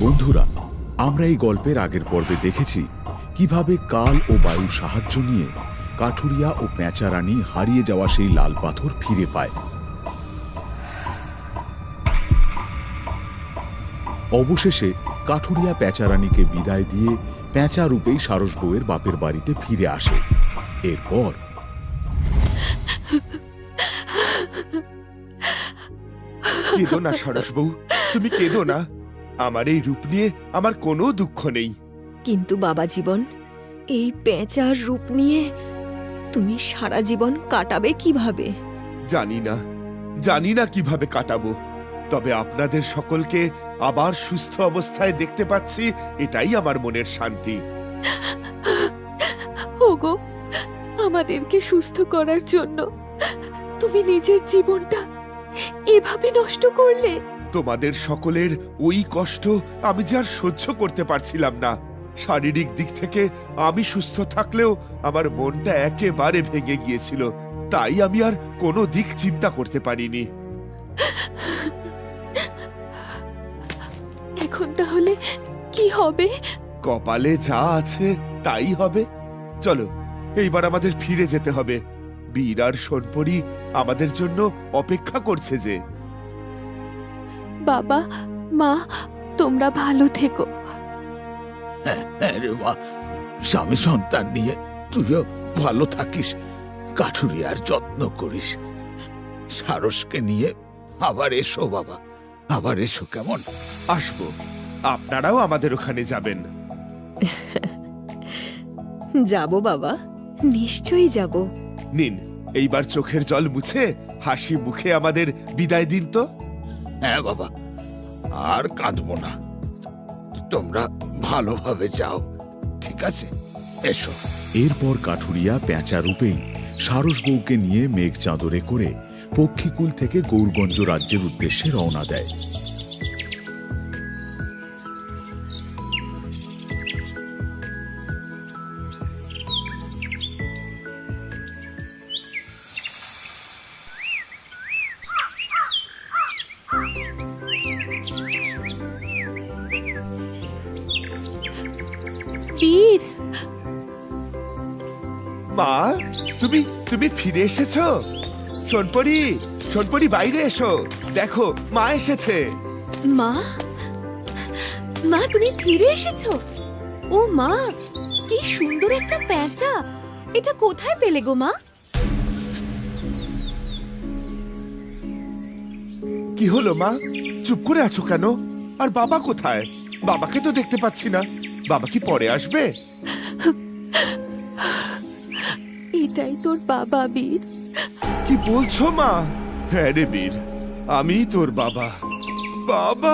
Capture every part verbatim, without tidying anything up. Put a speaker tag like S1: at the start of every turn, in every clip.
S1: বন্ধুরা, আমরা এই গল্পের আগের পর্বে দেখেছি কিভাবে কাল ও বায়ুর সাহায্য নিয়ে কাঠুরিয়া ও পেঁচা রানী হারিয়ে যাওয়া সেই লাল পাথর ফিরে পায়। অবশেষে কাঠুরিয়া পেঁচা রানীকে বিদায় দিয়ে পেঁচা রূপেই সারস বউয়ের বাপের বাড়িতে ফিরে আসে। এরপর
S2: কেঁদো না সারস বউ, তুমি কেঁদো না। আমার এই রূপ নিয়ে আমার কোনো দুঃখ নেই।
S3: কিন্তু বাবা জীবন, এই পেঁচার রূপ নিয়ে তুমি সারা জীবন কাটাবে কিভাবে?
S2: জানি না জানি না কিভাবে কাটাবো, তবে আপনাদের সকলকে আবার সুস্থ অবস্থায় দেখতে পাচ্ছি, এটাই আমার মনের শান্তি।
S3: ওগো, আমাদেরকে সুস্থ করার জন্য তুমি নিজের জীবনটা এভাবে নষ্ট করলে?
S2: তোমাদের সকলের ওই কষ্ট আমি যে আর সহ্য করতে পারছিলাম না। শারীরিক দিক থেকে আমি সুস্থ থাকলেও আমার মনটা একেবারে ভেঙে গিয়েছিল, তাই আমি আর কোনো দিক চিন্তা করতে পারিনি।
S3: এখন তাহলে কি হবে?
S2: কপালে যা আছে তাই হবে। চলো, এইবার আমাদের ফিরে যেতে হবে। বীর আর সোনপরি আমাদের জন্য অপেক্ষা করছে যে।
S3: বাবা মা, তোমরা ভালো থেকো।
S1: স্বামী সন্তান নিয়ে তুইও ভালো থাকিস, কাঠুরিয়ার যত্ন করিস। সারসকে নিয়ে আবার এসো বাবা, আবার এসো। কেমন?
S2: আসবো, আপনারাও আমাদের ওখানে যাবেন।
S3: যাব বাবা, নিশ্চয়ই যাব।
S2: নিন, এইবার চোখের জল মুছে হাসি মুখে আমাদের বিদায় দিন তো।
S1: হ্যাঁ বাবা, আর কাঁদবো না। তোমরা ভালোভাবে যাও, ঠিক আছে? এসো। এরপর কাঠুরিয়া পেঁচা রূপেই সারস বউকে নিয়ে মেঘ চাদরে করে পক্ষীকুল থেকে গৌরগঞ্জ রাজ্যের উদ্দেশ্যে রওনা দেয়।
S3: বীর,
S2: মা, তুমি তুমি ফিরে এসেছো? সোনপরি, সোনপরি বাইরে এসো, দেখো মা এসেছে।
S3: মা, মা তুমি ফিরে এসেছো? ও মা, কি সুন্দর একটা পেঁচা! এটা কোথায় পেলে গো মা?
S2: কি হলো মা, চুপ করে আছো কেন? আর বাবা কোথায়? বাবাকে তো দেখতে পাচ্ছি না। বাবা কি পরে আসবে?
S3: এটাই তোর বাবা বীর।
S2: কি বলছো মা? হ্যাঁ রে বীর, আমি তোর বাবা। বাবা!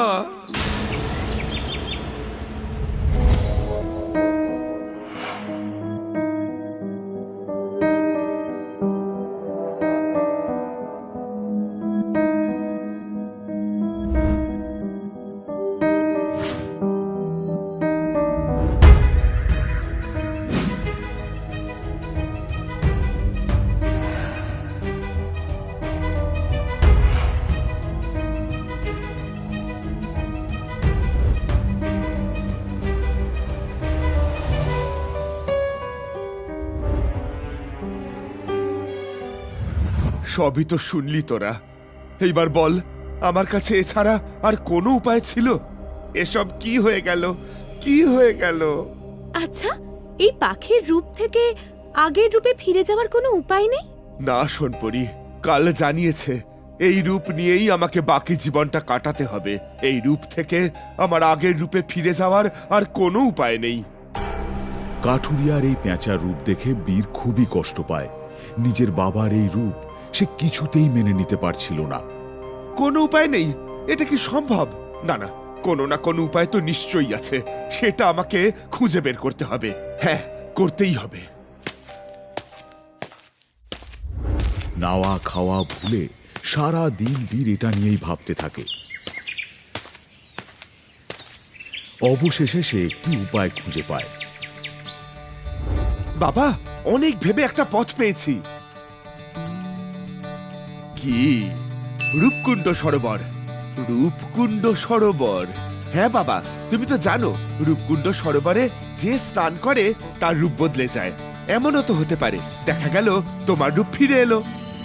S2: সবই তো শুনলি তোরা। এইবার বল, আমার কাছে এছাড়া আর কোনো উপায় ছিল? এসব কি হয়ে গেল, কি হয়ে গেল?
S3: আচ্ছা, এই পাখির রূপ থেকে আগের রূপে ফিরে যাওয়ার কোনো উপায় নেই?
S2: না সোনপরি, কাল জানিয়েছে এই রূপ নিয়েই আমাকে বাকি জীবনটা কাটাতে হবে। এই রূপ থেকে আমার আগের রূপে ফিরে যাওয়ার আর কোনো উপায় নেই।
S1: কাঠুরিয়ার এই পেঁচার রূপ দেখে বীর খুবই কষ্ট পায়। নিজের বাবার এই রূপ সে কিছুতেই মেনে নিতে পারছিল না।
S2: কোনো উপায় নেই? এটা কি সম্ভব? না না, কোনো না কোনো উপায় তো নিশ্চয়ই আছে। সেটা আমাকে খুঁজে বের করতে হবে। হ্যাঁ, করতেই হবে।
S1: নাওয়া খাওয়া ভুলে সারা দিন বীর এটা নিয়েই ভাবতে থাকে। অবশেষে সে একটি উপায় খুঁজে পায়।
S2: বাবা, অনেক ভেবে একটা পথ পেয়েছি। কি? রূপকুণ্ড সরোবর। রূপকুণ্ড সরোবর, হ্যাঁ বাবা, তুমি তো জানো রূপকুণ্ড সরোবরে যে স্নান করে তার রূপ বদলে যায়। এমনও তো হতে পারে দেখা গেল তোমার রূপ ফিরে এলো।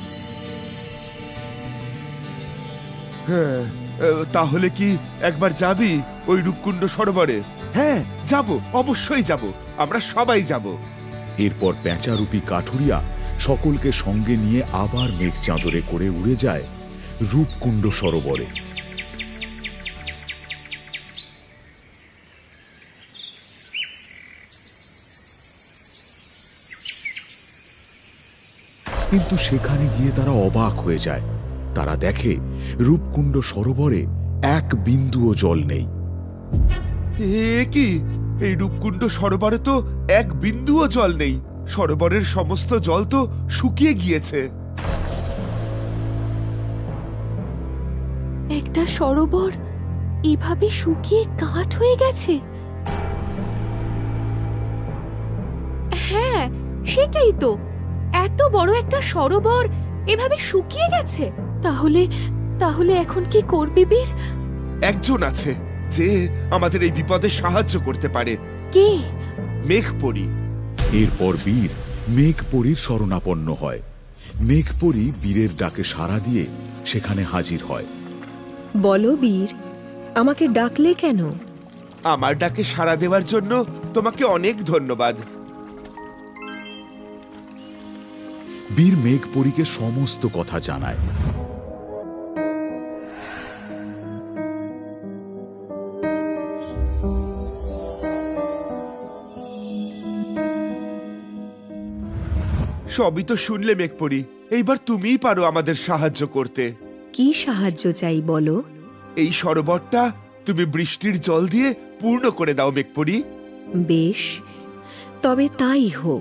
S2: হ্যাঁ, আহ, তাহলে কি একবার যাবি ওই রূপকুণ্ড সরোবরে? হ্যাঁ যাব, অবশ্যই যাব, আমরা সবাই যাব।
S1: এরপর পেঁচারূপী কাঠুরিয়া সকলকে সঙ্গে নিয়ে আবার মেঘ চাদরে করে উড়ে যায় রূপকুণ্ড সরোবরে। কিন্তু সেখানে গিয়ে তারা অবাক হয়ে যায়। তারা দেখে রূপকুণ্ড সরোবরে এক বিন্দুও জল নেই।
S2: এ কি, এই রূপকুণ্ড সরোবরে তো এক বিন্দুও জল নেই। সরোবরের সমস্ত জল তো শুকিয়ে গিয়েছে।
S3: একটা সরোবর এভাবে শুকিয়ে কাঠ হয়ে গেছে? হ্যাঁ, সেটাই তো, এত বড় একটা সরোবর এভাবে শুকিয়ে গেছে। তাহলে তাহলে এখন কি করবি বীর?
S2: একজন আছে যে আমাদের এই বিপদে সাহায্য করতে পারে।
S3: কে?
S2: মেঘপরি।
S1: এরপর বীর মেঘপরীর শরণাপন্ন হয়। মেঘপরী বীরের ডাকে সাড়া দিয়ে সেখানে হাজির হয়।
S4: বলো বীর, আমাকে ডাকলে কেন?
S2: আমার ডাকে সাড়া দেওয়ার জন্য তোমাকে অনেক ধন্যবাদ।
S1: বীর মেঘপরীকে সমস্ত কথা জানায়।
S2: সবই তো শুনলে মেঘপরি, এইবার তুমিই পারো আমাদের সাহায্য করতে।
S4: কি সাহায্য চাই বলো?
S2: এই সরোবরটা তুমি বৃষ্টির জল দিয়ে পূর্ণ করে দাও মেঘপরি।
S4: বেশ, তবে তাই হোক।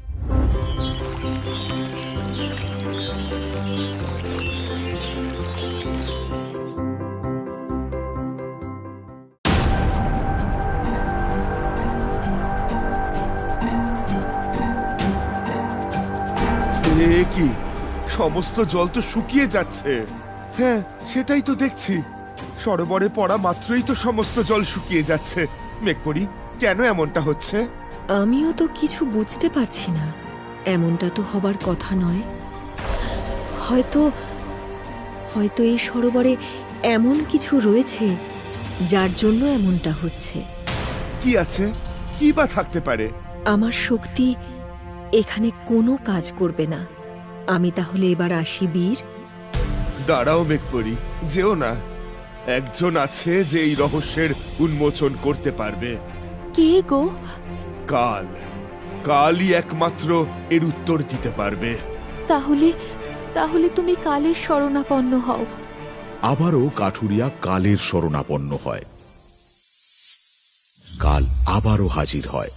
S2: এ কি, সমস্ত জল তো শুকিয়ে যাচ্ছে। হ্যাঁ, সেটাই তো দেখছি, সরোবরে পড়া মাত্রই তো সমস্ত জল শুকিয়ে যাচ্ছে। মেঘপরি, কেন এমনটা হচ্ছে?
S4: আমিও তো কিছু বুঝতে পারছি না। এমনটা তো হবার কথা নয়। হয়তো হয়তো এই সরোবরে এমন কিছু রয়েছে যার জন্য এমনটা হচ্ছে।
S2: কি আছে? কি বা থাকতে পারে?
S4: আমার শক্তি এখানে কোনো কাজ করবে না। আমি তাহলে এবার আসি বীর।
S2: দাঁড়াও মেঘপরি, যেও না। একজন আছে যে এই রহস্যের উন্মোচন করতে পারবে।
S3: কে গো?
S2: কাল। কালই একমাত্র এর উত্তর দিতে পারবে।
S3: তাহলে তাহলে তুমি কালের শরণাপন্ন হও।
S1: আবারও কাঠুরিয়া কালের শরণাপন্ন হয়। কাল আবারও হাজির হয়।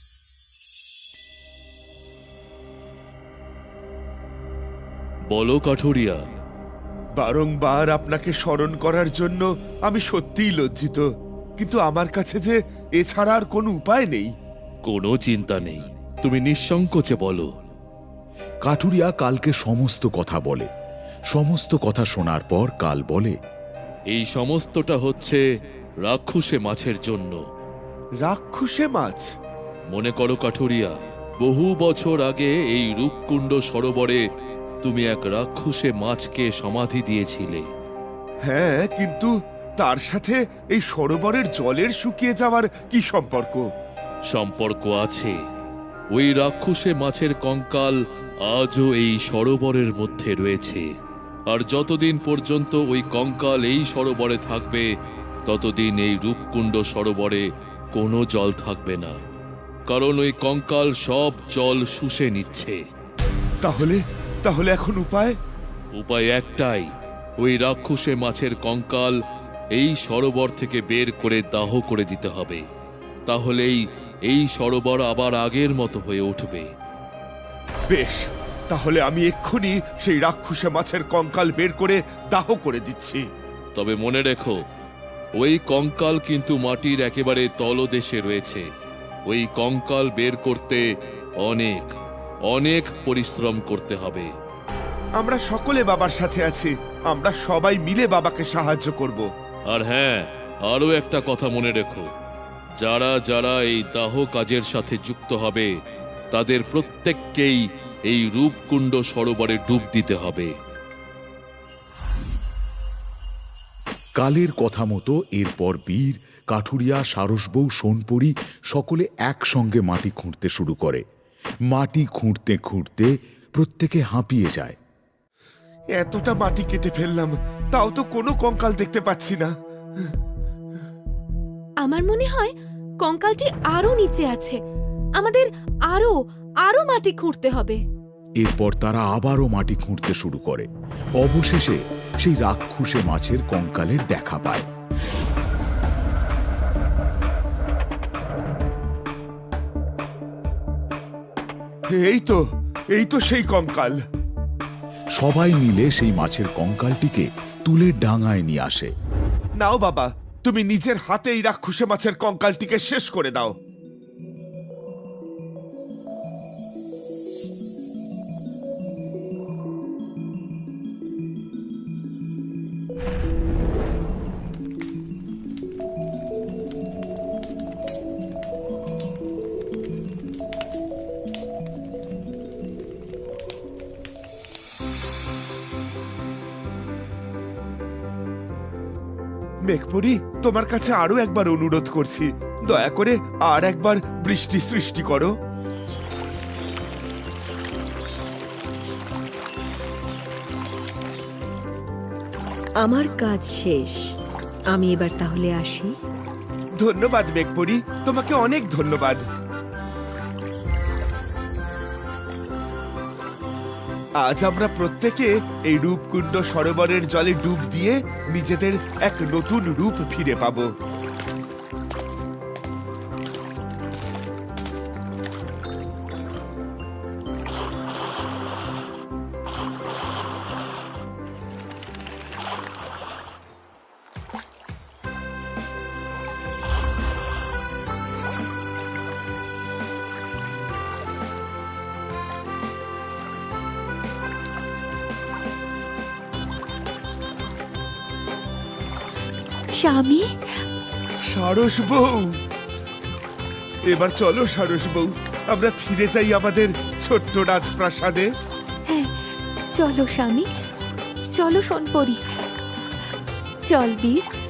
S5: বলো কাঠুরিয়া।
S2: বারংবার আপনাকে স্মরণ করার জন্য আমি সত্যিই লজ্জিত, কিন্তু আমার কাছে যে এছাড়া আর কোনো উপায় নেই।
S5: কোনো চিন্তা নেই, তুমি নিঃসংকোচে বলো।
S1: কাঠুরিয়া কালকে সমস্ত কথা বলে। সমস্ত কথা শোনার পর কাল বলে,
S5: এই সমস্তটা হচ্ছে রাক্ষসে মাছের জন্য।
S2: রাক্ষসে মাছ?
S5: মনে করো কাঠুরিয়া, বহু বছর আগে এই রূপকুণ্ড সরোবরে তুমি এক রাক্ষসে মাছকে সমাধি দিয়েছিলে।
S2: হ্যাঁ, কিন্তু তার সাথে এই সরোবরের জলের শুকিয়ে যাওয়ার কি সম্পর্ক?
S5: সম্পর্ক আছে। ওই রাক্ষসে মাছের কঙ্কাল আজও এই সরোবরের মধ্যে রয়েছে। আর যতদিন পর্যন্ত ওই কঙ্কাল এই সরোবরে থাকবে, ততদিন এই রূপকুণ্ড সরোবরে কোনো জল থাকবে না, কারণ ওই কঙ্কাল সব জল শুষে নিচ্ছে।
S2: তাহলে তাহলে এখন উপায়?
S5: উপায় একটাই, ওই রাক্ষসে মাছের কঙ্কাল এই সরোবর থেকে বের করে দাহ করে দিতে হবে। তাহলেই এই সরোবর আবার আগের মতো হয়ে উঠবে।
S2: বেশ, তাহলে আমি এক্ষুনি সেই রাক্ষসে মাছের কঙ্কাল বের করে দাহ করে দিচ্ছি।
S5: তবে মনে রেখো, ওই কঙ্কাল কিন্তু মাটির একেবারে তলদেশে রয়েছে। ওই কঙ্কাল বের করতে অনেক অনেক পরিশ্রম করতে হবে।
S2: আমরা সকলে বাবার সাথে আছি, আমরা সবাই মিলে বাবাকে সাহায্য করব।
S5: আর হ্যাঁ, আরও একটা কথা মনে রেখো, যারা যারা এই দাহ কাজের সাথে যুক্ত হবে তাদের প্রত্যেককেই এই রূপকুণ্ড সরোবরে ডুব দিতে হবে।
S1: কালের কথা মতো এরপর বীর, কাঠুরিয়া, সারসবউ, সোনপরি সকলে একসঙ্গে মাটি খুঁড়তে শুরু করে। মাটি খুঁড়তে খুঁড়তে প্রত্যেকে হাঁপিয়ে যায়।
S2: এতটা মাটি কেটে ফেললাম, তাও তো কোনো কঙ্কাল দেখতে পাচ্ছি না।
S3: আমার মনে হয় কঙ্কালটি আরো নিচে আছে। আমাদের আরো আরো মাটি খুঁড়তে হবে।
S1: এরপর তারা আবারও মাটি খুঁড়তে শুরু করে। অবশেষে সেই রাক্ষুসে মাছের কঙ্কালের দেখা পায়।
S2: এই তো এই তো সেই কঙ্কাল।
S1: সবাই মিলে সেই মাছের কঙ্কালটিকে তুলে ডাঙায় নিয়ে আসে।
S2: নাও বাবা, তুমি নিজের হাতে এই রাক্ষসে মাছের কঙ্কালটিকে শেষ করে দাও। মেঘপরি, তোমার কাছে আরো একবার অনুরোধ করছি, দয়া করে আর একবার বৃষ্টি সৃষ্টি করো।
S4: আমার কাজ শেষ, আমি এবার তাহলে আসি।
S2: ধন্যবাদ মেঘপরি, তোমাকে অনেক ধন্যবাদ। আজ আমরা প্রত্যেকে এই রূপকুণ্ড সরোবরের জলে ডুব দিয়ে নিজেদের এক নতুন রূপ ফিরে পাবো।
S3: স্বামী,
S2: সারস বউ, এবার চলো সারস বউ, আমরা ফিরে যাই আমাদের ছোট্ট রাজপ্রাসাদে।
S3: হ্যাঁ চলো স্বামী, চলো সোনপরি, চল বীর।